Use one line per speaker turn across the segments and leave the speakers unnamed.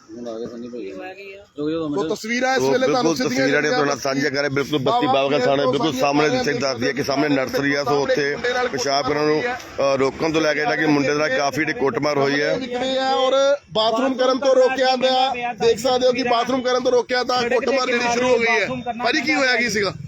तो तस्वीरें इस वेले
तस्वीरें साझा कर बिल्कुल बस्ती बाबा थाने बिल्कुल सामने दस दी कि सामने नर्सरी है। सो उत्थे पेशाब करने रोकण तो लैके कि मुंडे दा काफी कुटमार हुई है
और बाथरूम करन तो रोकिया देख सकते हो कि बाथरूम करन तो रोकिया था कुटमार जेडी शुरू हो गई है। भाजी की होया की सीगा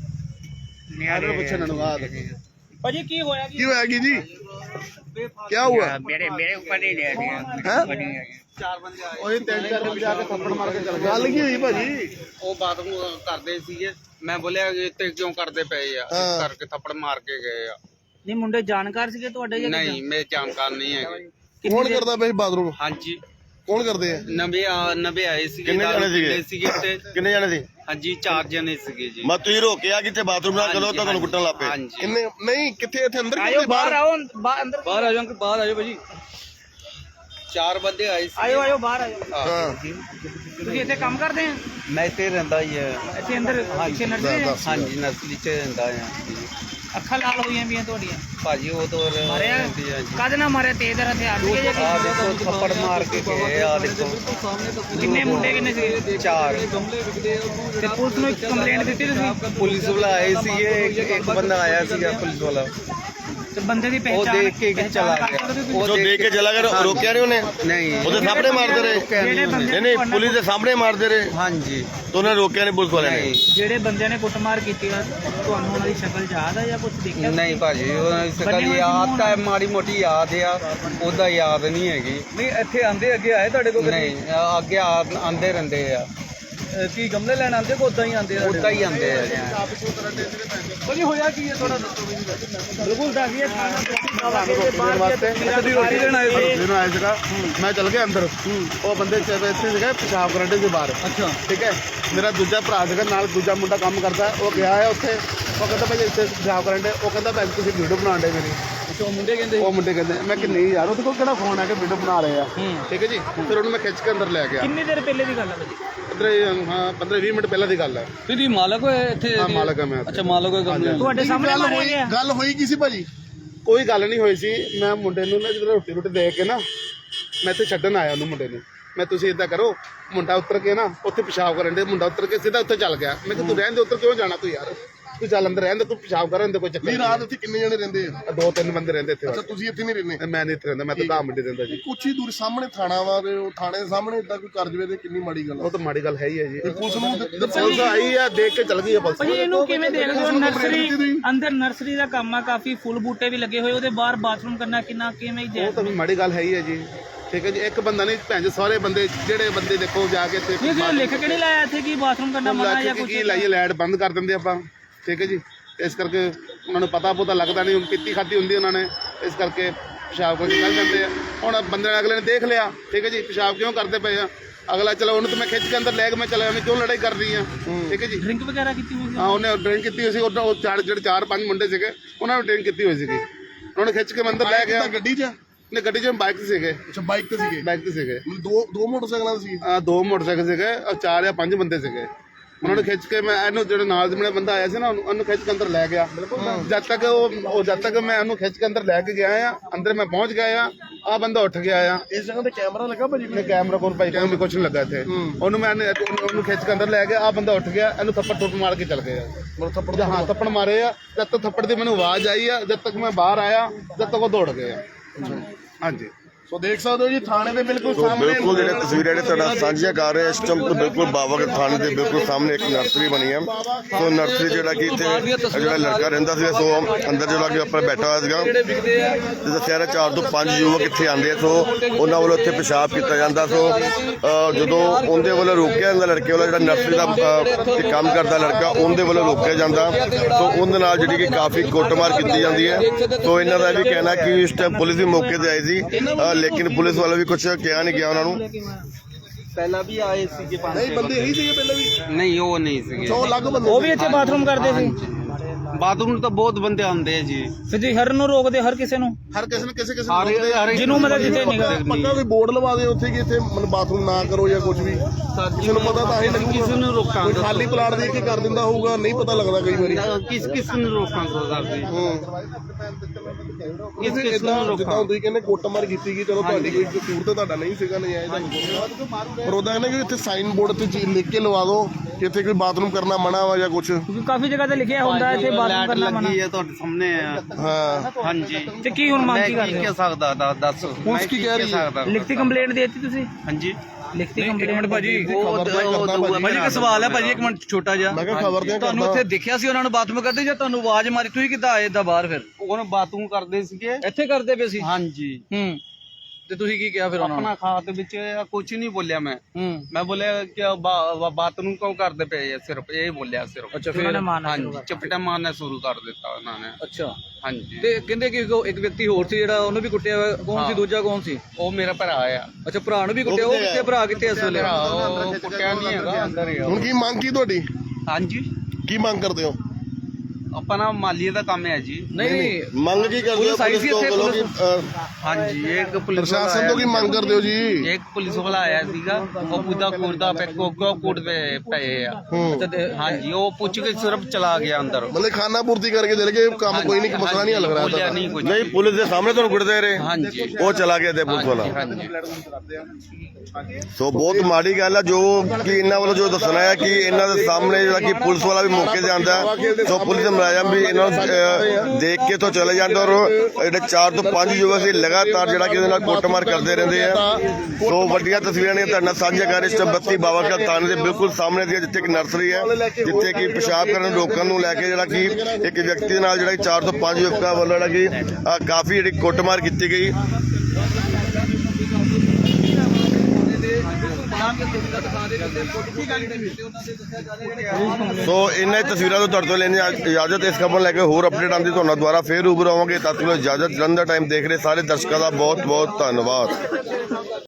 भाजी की होया
जी क्या हुआ
मेरे ऊपर नहीं ले
चार बंदे आके थप्पड़ मार के चल गए। गल की हुई भाजी
ਉਹ ਬਾਥਰੂਮ ਕਰਦੇ ਸੀਗੇ ਮੈਂ ਬੋਲਿਆ ਇੱਥੇ ਕਿਉਂ ਕਰਦੇ ਪਏ ਆ ਇਸ ਕਰਕੇ ਥੱਪੜ ਮਾਰ ਕੇ ਗਏ ਆ।
ਨਹੀਂ ਮੁੰਡੇ ਜਾਣਕਾਰ ਸੀਗੇ ਤੁਹਾਡੇ ਜਾਂ
ਨਹੀਂ ਮੇਰੇ ਜਾਣਕਾਰ ਨਹੀਂ ਹੈਗੇ।
कौन करता भाई बाथरूम
ਹਾਂਜੀ
कौन करते हैं
ਨਵੇਂ ਆਏ ਸੀਗੇ
ਕਿੰਨੇ ਜਾਣੇ ਸੀਗੇ
ਤੇ
ਕਿੰਨੇ ਜਾਣੇ ਸੀ
ਹਾਂਜੀ 4 ਜਣੇ ਸੀਗੇ ਜੀ।
ਮੈਂ ਤੁਸੀਂ ਰੋਕਿਆ ਕਿਤੇ ਬਾਥਰੂਮ ਨਾ ਚਲੋ ਤਾਂ ਤੁਹਾਨੂੰ ਕੁੱਟਣ ਲੱਗ ਪਏ।
ਹਾਂਜੀ
किन्ने नहीं किथे इथे अंदर
ਆਇਓ ਬਾਹਰ ਆਓ ਅੰਦਰ
ਬਾਹਰ ਆ ਜਾਓ ਬਾਹਰ ਆ ਜਾਓ ਭਾਜੀ 4 ਬੰਦੇ ਆਏ ਸੀ।
ਆਇਓ ਬਾਹਰ ਆਇਓ।
हाँ
ਤੁਸੀਂ ਇੱਥੇ ਕੰਮ ਕਰਦੇ ਆ
ਮੈਂ ਇੱਥੇ ਰਹਿੰਦਾ ਹੀ ਹੈ।
ਇੱਥੇ ਅੰਦਰ ਪਿੱਛੇ ਨਰਸਰੀ ਹੈ?
ਹਾਂਜੀ ਨਰਸਰੀ ਚ ਰਹਿੰਦਾ ਆ।
ਅੱਖਾਂ ਲਾਲ ਹੋਈਆਂ ਵੀਆਂ ਤੁਹਾਡੀਆਂ
ਭਾਜੀ ਉਹ ਤੋਂ
ਮਾਰਿਆ ਕਦ ਨਾ ਮਾਰਿਆ ਤੇਜ਼ ਹਥਿਆਰ ਸੀਗੇ ਜਾਂ
ਆ ਦੇਖੋ ਥੱਪੜ ਮਾਰ ਕੇ ਗਏ ਆ ਦੇਖੋ।
ਕਿੰਨੇ ਮੁੰਡੇ ਕਿੰਨੇ ਸੀਗੇ?
4
ਤੇ ਪੁਲਿਸ ਨੂੰ ਕੰਪਲੇਂਟ ਦਿੱਤੀ ਤੁਸੀਂ?
ਪੁਲਿਸ ਵਾਲਾ ਆਏ ਸੀਗੇ ਇੱਕ ਬੰਦਾ ਆਇਆ ਸੀਗਾ ਪੁਲਿਸ ਵਾਲਾ
ਤੇ ਬੰਦੇ ਦੀ
ਉਹ
ਪਹਿਚਾਣ
ਦੇਖ ਕੇ ਚਲਾ ਗਿਆ।
जो देख के चला गया रोकया नहीं उन्हें
नहीं
ਉਹਦੇ ਸਾਹਮਣੇ ਮਾਰਦੇ ਰਹੇ ਨਹੀਂ ਨਹੀਂ ਪੁਲਿਸ ਦੇ ਸਾਹਮਣੇ ਮਾਰਦੇ ਰਹੇ
ਹਾਂਜੀ
ਤਾਂ ਉਹਨੇ ਰੋਕਿਆ ਨਹੀਂ ਪੁਲਿਸ ਵਾਲਿਆਂ ਨੇ।
ਜਿਹੜੇ ਬੰਦਿਆਂ ਨੇ ਕੁੱਟਮਾਰ ਕੀਤੀ ਆ ਤੁਹਾਨੂੰ ਉਹਨਾਂ ਦੀ ਸ਼ਕਲ ਯਾਦ ਆ ਜਾਂ ਕੁਝ ਦੇਖਿਆ?
ਨਹੀਂ ਭਾਜੀ ਉਹ ਸਕਲ ਯਾਦ ਤਾਂ ਮਾੜੀ ਮੋਟੀ ਯਾਦ ਆ ਉਹਦਾ ਯਾਦ ਨਹੀਂ ਹੈਗੀ।
ਨਹੀਂ ਇੱਥੇ ਆਂਦੇ ਅੱਗੇ ਆਏ ਤੁਹਾਡੇ ਕੋਲ
ਨਹੀਂ ਅੱਗੇ ਆਂਦੇ ਰਹਿੰਦੇ ਆ।
ਕੀ ਗਮਲੇ ਲੈਣ ਆਂਦੇ ਕੋ ਉਦਾਂ ਹੀ ਆਂਦੇ ਆ?
ਉਦਾਂ ਹੀ ਆਂਦੇ ਆ।
ਭਾਜੀ ਹੋਇਆ ਕੀ ਹੈ ਥੋੜਾ ਦੱਸੋ ਮੈਨੂੰ।
ਬਿਲਕੁਲ ਦੱਸਿਏ
कभी रोटी लेना आए सीगा मैं चल गया अंदर वो बंदे इत्थे सीगे पेशाब करन दे बाहर।
अच्छा
ठीक है मेरा दूजा भरा सीगा नाल दूजा मुंडा काम करदा वो गया है उत्थे वो कहंदा भाई इत्थे पेशाब करन दे वो कहंदा भाई तुसीं वीडियो बनाण दे मेरी
ਅੱਛਾ ਉਹ ਮੁੰਡੇ ਕਹਿੰਦੇ
वो मुंडे कहंदे मैं कि नहीं यार ਉਹਦੇ ਕੋਲ ਕਿਹੜਾ ਫੋਨ ਹੈ ਕਿ ਵੀਡੀਓ ਬਣਾ ਰਹੇ ਆ। ਠੀਕ ਹੈ ਜੀ ਫਿਰ ਉਹਨੂੰ ਮੈਂ ਖਿੱਚ ਕੇ ਅੰਦਰ ਲੈ ਗਿਆ।
ਕਿੰਨੀ ਦੇਰ ਪਹਿਲੇ ਦੀ ਗੱਲ ਹੈ ਭਾਜੀ?
15-20 ਮਿੰਟ ਪਹਿਲਾਂ ਦੀ ਗੱਲ ਹੈ।
ਤੁਸੀਂ ਮਾਲਕ ਹੋਏ ਇੱਥੇ?
ਹਾਂ ਮਾਲਕ ਹੈ ਮੈਂ।
ਅੱਛਾ ਮਾਲਕ ਹੋਏ ਗਮਲੇ।
ਤੁਹਾਡੇ ਸਾਹਮਣੇ ਮਾਰਿਆ ਗਿਆ?
ਗੱਲ ਹੋਈ ਕੀ ਸੀ ਭਾਜੀ? ਕੋਈ ਗੱਲ ਨਹੀਂ ਹੋਈ ਸੀ। ਮੈਂ ਮੁੰਡੇ ਨੂੰ ਨਾ ਜਦੋਂ ਰੋਟੀ ਦੇ ਕੇ ਨਾ ਮੈਂ ਇੱਥੇ ਛੱਡਣ ਆਇਆ ਉਹਨੂੰ ਮੁੰਡੇ ਨੂੰ। ਮੈਂ ਤੁਸੀਂ ਇਦਾਂ ਕਰੋ ਮੁੰਡਾ ਉੱਤਰ ਕੇ ਨਾ ਉੱਥੇ ਪਿਸ਼ਾਬ ਕਰਨ ਦੇ ਮੁੰਡਾ ਉੱਤਰ ਕੇ ਸਿੱਧਾ ਉੱਥੇ ਚੱਲ ਗਿਆ। ਮੈਂ ਕਿਹਾ ਤੂੰ ਰਹਿਣ ਦੇ ਉੱਤਰ ਕਿਉਂ ਜਾਣਾ ਤੂੰ ਯਾਰ ਤੂੰ ਚੱਲ ਅੰਦਰ ਰਹਿਣ ਦੇ ਤੂੰ ਪਿਸ਼ਾਬ ਕਰਨ ਦੇ ਕੋਈ ਚੱਕਰ ਨਹੀਂ। ਰਾਤ ਇੱਥੇ ਕਿੰਨੇ ਜਣੇ ਰਹਿੰਦੇ ਆ? 2-3 ਬੰਦੇ ਰਹਿੰਦੇ ਇੱਥੇ। ਅੱਛਾ ਤੁਸੀਂ ਇੱਥੇ ਨਹੀਂ ਰਹਿੰਦੇ? ਮੈਂ ਨਹੀਂ ਇੱਥੇ ਰਹਿੰਦਾ ਮੈਂ ਤਾਂ ਘਾਹ ਮੰਡੀ ਰਹਿੰਦਾ ਜੀ। ਕੁਛ ਹੀ ਦੂਰ ਸਾਹਮਣੇ ਥਾਣਾ ਵਾ ਤੇ ਉਹ ਥਾਣੇ ਦੇ ਸਾਹਮਣੇ ਇਦਾਂ ਕੋਈ ਕਰ ਜਵੇ ਤੇ ਕਿੰਨੀ ਮਾੜੀ ਗੱਲ। ਉਹ ਤਾਂ ਮਾੜੀ ਗੱਲ ਹੈ ਹੀ ਹੈ ਜੀ। ਪੁਲਿਸ ਨੂੰ ਪੁਲਿਸ ਆਈ ਆ ਦੇਖ ਕੇ ਚੱਲ ਗਈ ਆ ਪੁਲਿਸ।
ਭਾਜੀ ਇਹਨੂੰ ਕਿਵੇਂ ਦੇਖਦੇ ਹੋ? ਨਰਸਰੀ ਅੰਦਰ ਨਰਸਰੀ ਦਾ ਕੰਮ ਆ ਕਾਫੀ ਫੁੱਲ ਬੂਟੇ ਵੀ ਲੱਗੇ ਹੋਏ ਉਹਦੇ ਬਾਹਰ ਬਾਥਰੂਮ ਕਰਨਾ ਕਿੰਨਾ ਕਿਵੇਂ
ਉਹ ਤਾਂ ਮਾੜੀ ਗੱਲ ਹੈ ਹੀ ਹੈ ਜੀ। ਠੀਕ ਹੈ ਜੀ ਇੱਕ ਬੰਦਾ ਨਹੀਂ ਭੈਣ ਜੀ ਸਾਰੇ ਬੰਦੇ ਜਿਹੜੇ ਬੰਦੇ ਦੇਖੋ ਜਾ ਕੇ ਇੱਥੇ
ਲਿਖ ਕੇ ਨਹੀਂ ਲਾਇਆ ਇੱਥੇ ਕਿ ਬਾਥਰੂਮ ਕਰਨਾ ਮਨਾ ਜਾਂ ਕੁਝ?
ਕੀ ਲਾਈਏ ਲਾਈਟ ਬੰਦ ਕਰ ਦਿੰਦੇ ਆਪਾਂ। ਠੀਕ ਹੈ ਜੀ ਇਸ ਕਰਕੇ ਉਹਨਾਂ ਨੂੰ ਪਤਾ ਲੱਗਦਾ ਨਹੀਂ ਪੀਤੀ ਖਾਦੀ ਹੁੰਦੀ ਉਹਨਾਂ ਨੇ ਇਸ ਕਰਕੇ ਪਿਸ਼ਾਬ ਕਰਕੇ ਚੱਲ ਜਾਂਦੇ ਆ। ਹੁਣ ਬੰਦੇ ਨੇ ਅਗਲੇ ਨੇ ਦੇਖ ਲਿਆ। ਠੀਕ ਹੈ ਜੀ ਪਿਸ਼ਾਬ ਕਿਉਂ ਕਰਦੇ ਪਏ ਆ ਅਗਲਾ ਚਲੋ ਉਹਨੂੰ ਤਾਂ ਮੈਂ ਖਿੱਚ ਕੇ ਅੰਦਰ ਲੈ ਕੇ ਮੈਂ ਚਲਾ ਮੈਂ ਕਿਉਂ ਲੜਾਈ ਕਰ ਰਹੀ ਆ। ਠੀਕ ਹੈ ਜੀ
ਡਰਿੰਕ ਵਗੈਰਾ ਕੀਤੀ ਹੋਈ ਸੀ?
ਹਾਂ ਉਹਨੇ ਡਰਿੰਕ ਕੀਤੀ ਹੋਈ ਸੀ। ਉਹ ਜਿਹੜੇ 4-5 ਮੁੰਡੇ ਸੀਗੇ ਉਹਨਾਂ ਨੇ ਡਰਿੰਕ ਕੀਤੀ ਹੋਈ ਸੀਗੀ। ਉਹਨਾਂ ਨੇ ਖਿੱਚ ਕੇ ਮੈਂ ਅੰਦਰ ਲੈ ਗਿਆ। ਗੱਡੀ 'ਚ ਨੇ ਗੱਡੀ 'ਚ ਬਾਈਕ ਤੇ ਸੀਗੇ। ਅੱਛਾ ਬਾਈਕ ਤੇ ਸੀਗੇ ਦੋ ਮੋਟਰਸਾਈਕਲਾਂ ਸੀ? ਹਾਂ 2 ਮੋਟਰਸਾਈਕਲ ਸੀਗੇ 4 ਜਾਂ 5 ਬੰਦੇ ਸੀਗੇ। ਉਹਨਾਂ ਨੂੰ ਖਿੱਚ ਕੇ ਮੈਂ ਇਹਨੂੰ ਜਿਹੜੇ ਨਾਲ ਦੇ ਮੇਰੇ ਬੰਦਾ ਆਇਆ ਸੀ ਨਾ ਉਹਨੂੰ ਖਿੱਚ ਕੇ ਅੰਦਰ ਲੈ ਗਿਆ। ਜਦ ਤੱਕ ਮੈਂ ਉਹਨੂੰ ਖਿੱਚ ਕੇ ਅੰਦਰ ਲੈ ਕੇ ਗਿਆ ਆ ਅੰਦਰ ਮੈਂ ਪਹੁੰਚ ਗਿਆ ਆ ਬੰਦਾ ਉੱਠ ਗਿਆ ਆ। ਇਸ ਜਗ੍ਹਾ ਤੇ ਕੈਮਰਾ ਲੱਗਾ ਭਾਜੀ? ਨਹੀਂ ਕੈਮਰਾ ਕੋਲ ਭਾਈ ਕਹਿੰਦੇ ਕੁਛ ਨਹੀਂ ਲੱਗਾ ਇੱਥੇ। ਉਹਨੂੰ ਮੈਂ ਉਹਨੂੰ ਖਿੱਚ ਕੇ ਅੰਦਰ ਲੈ ਗਿਆ ਆ ਬੰਦਾ ਉੱਠ ਗਿਆ ਇਹਨੂੰ ਥੱਪੜ ਮਾਰ ਕੇ ਚੱਲ ਗਿਆ। ਥੱਪੜ ਹਾਂ ਥੱਪੜ ਮਾਰੇ ਆ। ਜਦ ਤੱਕ ਥੱਪੜ ਦੀ ਮੈਨੂੰ ਆਵਾਜ਼ ਆਈ ਆ ਜਦ ਤੱਕ ਮੈਂ ਬਾਹਰ ਆਇਆ ਜਦ ਤੱਕ ਉਹ ਦੌੜ ਗਏ ਆ। ਹਾਂਜੀ ਸੋ ਦੇਖ ਸਕਦੇ ਹੋ ਜੀ ਥਾਣੇ ਦੇ ਬਿਲਕੁਲ ਸਾਹਮਣੇ
ਬਿਲਕੁਲ ਜਿਹੜੇ ਤਸਵੀਰਾਂ ਨੇ ਤੁਹਾਡਾ ਸਾਂਝੀਆਂ ਕਰ ਰਹੇ ਇਸ ਟਾਈਮ ਬਿਲਕੁਲ ਬਾਬਾ ਕੇ ਥਾਣੇ ਦੇ ਬਿਲਕੁਲ ਸਾਹਮਣੇ ਇੱਕ ਨਰਸਰੀ ਬਣੀ ਹੈ। ਸੋ ਨਰਸਰੀ ਜਿਹੜਾ ਕਿ ਇੱਥੇ ਜਿਹੜਾ ਲੜਕਾ ਰਹਿੰਦਾ ਸੀ ਸੋ ਅੰਦਰ ਜਿਹੜਾ ਕਿ ਆਪਣਾ ਬੈਠਾ ਹੋਇਆ ਸੀਗਾ ਤੇ ਦੱਸਿਆ 4 ਤੋਂ 5 ਯੁਵਕ ਇੱਥੇ ਆਉਂਦੇ ਸੋ ਉਹਨਾਂ ਵੱਲੋਂ ਇੱਥੇ ਪਿਸ਼ਾਬ ਕੀਤਾ ਜਾਂਦਾ। ਸੋ ਜਦੋਂ ਉਹਦੇ ਵੱਲੋਂ ਰੋਕਿਆ ਜਾਂਦਾ ਲੜਕੇ ਵੱਲੋਂ ਜਿਹੜਾ ਨਰਸਰੀ ਦਾ ਕੰਮ ਕਰਦਾ ਲੜਕਾ ਉਹਦੇ ਵੱਲੋਂ ਰੋਕਿਆ ਜਾਂਦਾ ਸੋ ਉਹਦੇ ਨਾਲ ਜਿਹੜੀ ਕਿ ਕਾਫੀ ਕੁੱਟਮਾਰ ਕੀਤੀ ਜਾਂਦੀ ਹੈ। ਸੋ ਇਹਨਾਂ ਦਾ ਵੀ ਕਹਿਣਾ ਕਿ ਇਸ ਟਾਈਮ ਪੁਲਿਸ ਵੀ ਮੌਕੇ ਤੇ ਆਈ ਸੀ ਲੇਕਿਨ ਪੁਲਿਸ ਵਾਲਾ ਵੀ ਕੁਝ ਕਿਹਾ ਨਹੀਂ ਗਿਆ ਉਹਨਾਂ ਨੂੰ।
ਪਹਿਲਾਂ ਵੀ ਆਏ ਸੀਗੇ 5
ਨਹੀਂ ਬੰਦੇ ਇਹੀ ਸੀਗੇ ਪਹਿਲਾਂ ਵੀ?
ਨਹੀਂ ਉਹ ਨਹੀਂ ਸੀਗੇ।
ਉਹ ਅਲੱਗ ਬੰਦੇ
ਉਹ ਵੀ ਇੱਥੇ ਬਾਥਰੂਮ ਕਰਦੇ ਸੀ?
ਬਾਥਰੂਮ ਤਾਂ ਬਹੁਤ ਬੰਦੇ ਆਉਂਦੇ ਆ ਜੀ।
ਫਿਰ ਜੀ ਹਰ ਨੂੰ ਰੋਕਦੇ ਹਰ ਕਿਸੇ ਨੂੰ?
ਹਰ ਕਿਸੇ ਨੂੰ ਕਿਸੇ ਨੂੰ
ਜਿਹਨੂੰ ਮਤਲਬ ਜਿੱਥੇ ਨਿਗਾਹ
ਪੱਕਾ ਕੋਈ ਬੋਰਡ ਲਵਾ ਦੇ ਉੱਥੇ ਕਿ ਇੱਥੇ ਬਾਥਰੂਮ ਨਾ ਕਰੋ ਜਾਂ ਕੁਝ ਵੀ ਕਿਸੇ ਨੂੰ ਪਤਾ ਤਾਂ ਹੀ ਲੱਗੂਗਾ।
ਕਿਸੇ ਨੂੰ ਰੋਕਾਂਗੇ
ਕੋਈ ਖਾਲੀ ਪਲਾਟ ਦੇ ਕੇ ਕਰ ਦਿੰਦਾ ਹੋਊਗਾ ਨਹੀਂ ਪਤਾ ਲੱਗਦਾ ਕਈ ਵਾਰੀ
ਕਿਸ ਨੂੰ ਰੋਕਾਂਗੇ ਸਰ ਜੀ। ਇਸ ਕਿਸ ਨੂੰ ਰੋਕਾਂ?
ਤੁਸੀਂ ਕਹਿੰਦੇ ਕੁੱਟਮਾਰ ਕੀਤੀ ਗਈ, ਚਲੋ ਤੁਹਾਡੀ ਕੋਈ ਕਸੂਰ ਤਾਂ ਤੁਹਾਡਾ ਨਹੀਂ ਸੀਗਾ, ਨਜਾਇਜ਼ ਪਰ ਉਹਦਾ ਕਹਿੰਦੇ ਕਿ ਇੱਥੇ ਸਾਈਨ ਬੋਰਡ ਤੇ ਚੀਜ਼ ਲਿਖ ਕੇ ਲਵਾ ਦਿਓ ਕਿ ਇੱਥੇ ਕੋਈ ਬਾਥਰੂਮ ਕਰਨਾ ਮਨਾ ਵਾ ਜਾਂ ਕੁਝ।
ਕਿਉਂਕਿ ਕਾਫੀ ਜਗ੍ਹਾ ਤੇ ਲਿਖਿਆ ਹੁੰਦਾ ਇੱਥੇ ਬਾਥਰੂਮ ਕਰਨਾ ਮਨਾ।
ਲੱਗੀ ਹੈ ਤੁਹਾਡੇ ਸਾਹਮਣੇ ਆ।
ਹਾਂ
ਹਾਂਜੀ
ਤੇ ਕੀ ਹੁਣ ਮੰਗ
ਮੈਂ
ਕੀ
ਕੀ
ਕਰਦੇ
ਕਹਿ
ਹੋ?
ਸਕਦਾ ਦੱਸ
ਪੁਲਿਸ ਕੀ ਕਹਿ ਰਹੀ ਹੈ?
ਲਿਖਤੀ ਕੰਪਲੇਂਟ ਦੇ ਦਿੱਤੀ ਤੁਸੀਂ?
ਹਾਂਜੀ
ਲਿਖਤੀ ਕੰਪਲੇਂਟ
ਭਾਜੀ
ਭਾਜੀ
ਇੱਕ ਸਵਾਲ ਹੈ ਭਾਜੀ, ਇੱਕ ਮਿੰਟ ਛੋਟਾ ਜਿਹਾ।
ਮੈਂ ਕਿਹਾ ਖਬਰ ਤੇ
ਤੁਹਾਨੂੰ ਇੱਥੇ ਦੇਖਿਆ ਸੀ ਉਹਨਾਂ ਨੂੰ ਬਾਥਰੂਮ ਕਰਦੇ ਜਾਂ ਤੁਹਾਨੂੰ ਆਵਾਜ਼ ਮਾਰੀ? ਤੁਸੀਂ ਕਿੱਦਾਂ ਆਏ ਦਾ ਬਾਹਰ ਫਿਰ?
ਉਹਨੇ ਬਾਥਰੂਮ ਕਰਦੇ ਸੀਗੇ
ਇੱਥੇ ਕਰਦੇ ਪਏ ਸੀ?
ਹਾਂਜੀ
ਤੇ ਤੁਸੀਂ ਕੀ ਕਿਹਾ ਫਿਰ ਉਹਨਾਂ ਨੂੰ?
ਆਪਣਾ ਖਾਤ ਵਿੱਚ ਕੁਝ ਨਹੀਂ ਬੋਲਿਆ ਮੈਂ
ਹੂੰ
ਮੈਂ ਬੋਲਿਆ ਕਿ ਬਾਥਰੂਮ ਕਿਉਂ ਕਰਦੇ ਪਏ ਆ, ਸਿਰਫ ਇਹ ਬੋਲਿਆ ਸਿਰਫ।
ਅੱਛਾ
ਉਹਨਾਂ ਨੇ
ਫਿਰ
ਮਾਰਨਾ ਸ਼ੁਰੂ
ਹਾਂਜੀ
ਕਰਤਾ।
ਚਪਟਾ ਮਾਰਨਾ ਸ਼ੁਰੂ ਕਰ ਦਿੱਤਾ ਉਹਨਾਂ ਨੇ।
ਅੱਛਾ
ਹਾਂਜੀ
ਤੇ ਕਹਿੰਦੇ ਕਿ ਇੱਕ ਵਿਅਕਤੀ ਹੋਰ ਸੀ ਜਿਹੜਾ ਉਹਨੂੰ ਵੀ ਕੁੱਟਿਆ ਹੋਇਆ। ਕੌਣ ਸੀ? ਦੂਜਾ ਕੌਣ ਸੀ?
ਉਹ ਮੇਰਾ ਭਰਾ ਆ।
ਅੱਛਾ ਭਰਾ ਨੂੰ ਵੀ ਕੁੱਟਿਆ। ਉਹ ਕਿੱਥੇ? ਭਰਾ ਕਿੱਥੇ ਇਸ ਵੇਲੇ?
ਭਰਾ ਉਹ ਕੁੱਟਿਆ ਨਹੀਂ ਹੈਗਾ, ਅੰਦਰ ਹੀ ਆ।
ਹੁਣ ਕੀ ਮੰਗ ਕੀ ਤੁਹਾਡੀ,
ਹਾਂਜੀ
ਕੀ ਮੰਗ ਕਰਦੇ ਹੋ?
ਆਪਣਾ ਮਾਲੀਏ ਦਾ ਕੰਮ ਹੈ ਜੀ।
ਨਹੀਂ
ਮੰਗ ਕੀ ਕਰਦੇ ਹੋ
ਪੁਲਿਸ ਆਈ ਸੀ
ਪੁਲਿਸ ਤੋਂ
ਇੱਥੇ?
ਵੱਲੋਂ
ਹਾਂਜੀ ਇੱਕ ਪੁਲਿਸ ਵਾਲਾ
ਪ੍ਰਸ਼ਾਸਨ ਤੋਂ ਕੀ ਮੰਗ ਕਰਦੇ ਹੋ ਜੀ?
ਇੱਕ ਪੁਲਿਸ ਵਾਲਾ ਆਇਆ ਸੀਗਾ, ਉਹ ਪੁੱਦਾ ਕੁੜਦਾ ਪੈ ਕੁੱਟਦੇ ਪਏ ਆ। ਹਾਂਜੀ ਉਹ ਪੁੱਛ ਕੇ ਸਿਰਫ ਚਲਾ ਗਿਆ ਅੰਦਰ।
ਮਤਲਬ ਖਾਨਾ ਪੂਰਤੀ ਕਰਕੇ ਚਲੇ ਗਏ, ਕੰਮ ਕੋਈ ਨਹੀਂ, ਮਸਲਾ ਨਹੀਂ ਹੱਲ ਕਰਾਇਆ
ਬੋਲਿਆ
ਤਾਂ।
ਨਹੀਂ ਕੁਝ।
ਨਹੀਂ ਪੁਲਿਸ ਦੇ ਸਾਹਮਣੇ ਤੁਹਾਨੂੰ ਕੁੱਟਦੇ ਰਹੇ?
ਹਾਂਜੀ
ਉਹ ਚਲਾ ਗਿਆ ਤੇ ਪੁਲਿਸ ਵਾਲਾ।
ਹਾਂਜੀ
ਸੋ ਬਹੁਤ ਮਾੜੀ ਗੱਲ ਆ ਜੋ ਕਿ ਇਹਨਾਂ ਵੱਲੋਂ ਜੋ ਦੱਸਣਾ ਹੈ ਕਿ ਇਹਨਾਂ ਦੇ ਸਾਹਮਣੇ ਜਿਹੜਾ ਕਿ ਪੁਲਿਸ ਵਾਲਾ ਵੀ ਮੌਕੇ ਤੇ ਆਂਦਾ ਹੈ। ਸੋ ਪੁਲਿਸ ਦੇ ਮੁਲਾਜ਼ਮ ਵੀ ਇਹਨਾਂ ਨੂੰ ਦੇਖ ਕੇ ਤੋਂ ਚਲੇ ਜਾਂਦੇ ਔਰ ਜਿਹੜੇ 4 ਤੋਂ 5 ਯੁਵਕ ਸੀ ਲਗਾਤਾਰ ਜਿਹੜਾ ਕਿ ਉਹਦੇ ਨਾਲ ਕੁੱਟਮਾਰ ਕਰਦੇ ਰਹਿੰਦੇ ਆ। ਸੋ ਵੱਡੀਆਂ ਤਸਵੀਰਾਂ ਨੇ ਤੁਹਾਡੇ ਨਾਲ ਸਾਂਝਾ ਕਰ ਇਸ ਟਾਈਮ 32 ਬਾਵਾਖਾਲ ਥਾਣੇ ਦੇ ਬਿਲਕੁਲ ਸਾਹਮਣੇ ਦੀ ਜਿੱਥੇ ਇੱਕ ਨਰਸਰੀ ਹੈ, ਜਿੱਥੇ ਕਿ ਪਿਸ਼ਾਬ ਕਰਨ ਰੋਕਣ ਨੂੰ ਲੈ ਕੇ ਜਿਹੜਾ ਕਿ ਇੱਕ ਵਿਅਕਤੀ ਦੇ ਨਾਲ ਜਿਹੜਾ 4 ਤੋਂ 5 ਯੁਵਕਾਂ ਵੱਲੋਂ ਜਿਹੜਾ ਕਿ ਕਾਫੀ ਜਿਹੜੀ ਕੁੱਟਮਾਰ ਕੀਤੀ ਗਈ। ਸੋ ਇਹਨਾਂ ਹੀ ਤਸਵੀਰਾਂ ਤੋਂ ਤੁਹਾਡੇ ਤੋਂ ਲੈਣੀ ਇਜਾਜ਼ਤ। ਇਸ ਖਬਰ ਲੈ ਕੇ ਹੋਰ ਅਪਡੇਟ ਆਉਂਦੀ ਤੁਹਾਨੂੰ ਦੁਬਾਰਾ ਫੇਰ ਰੂਬਰੂ ਆਵਾਂਗੇ। ਤਦ ਤੱਕ ਇਜਾਜ਼ਤ। ਜਲੰਧਰ ਟਾਈਮ ਦੇਖ ਰਹੇ ਸਾਰੇ ਦਰਸ਼ਕਾਂ ਦਾ ਬਹੁਤ ਬਹੁਤ ਧੰਨਵਾਦ।